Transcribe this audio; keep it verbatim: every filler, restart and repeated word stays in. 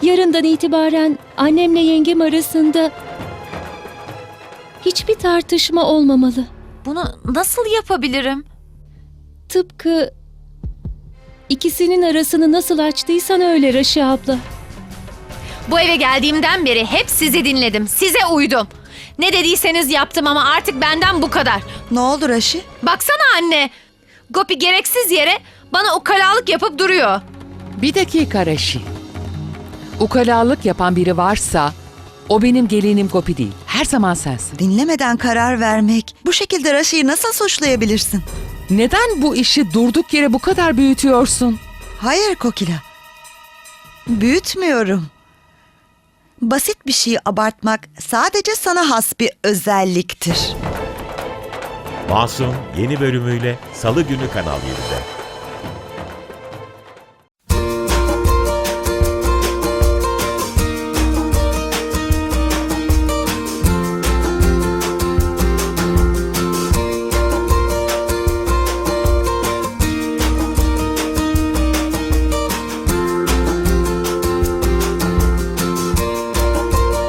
Yarından itibaren annemle yengem arasında hiçbir tartışma olmamalı. Bunu nasıl yapabilirim? Tıpkı ikisinin arasını nasıl açtıysan öyle Raşi abla. Bu eve geldiğimden beri hep sizi dinledim. Size uydum. Ne dediyseniz yaptım ama artık benden bu kadar. Ne oldu Raşi? Baksana anne. Gopi gereksiz yere bana ukalalık yapıp duruyor. Bir dakika Raşi. Ukalalık yapan biri varsa o benim gelinim Gopi değil. Her zaman sensin. Dinlemeden karar vermek. Bu şekilde Raşi'yi nasıl suçlayabilirsin? Neden bu işi durduk yere bu kadar büyütüyorsun? Hayır Kokila. Büyütmüyorum. Basit bir şeyi abartmak sadece sana has bir özelliktir. Masum yeni bölümüyle Salı günü Kanal yedide.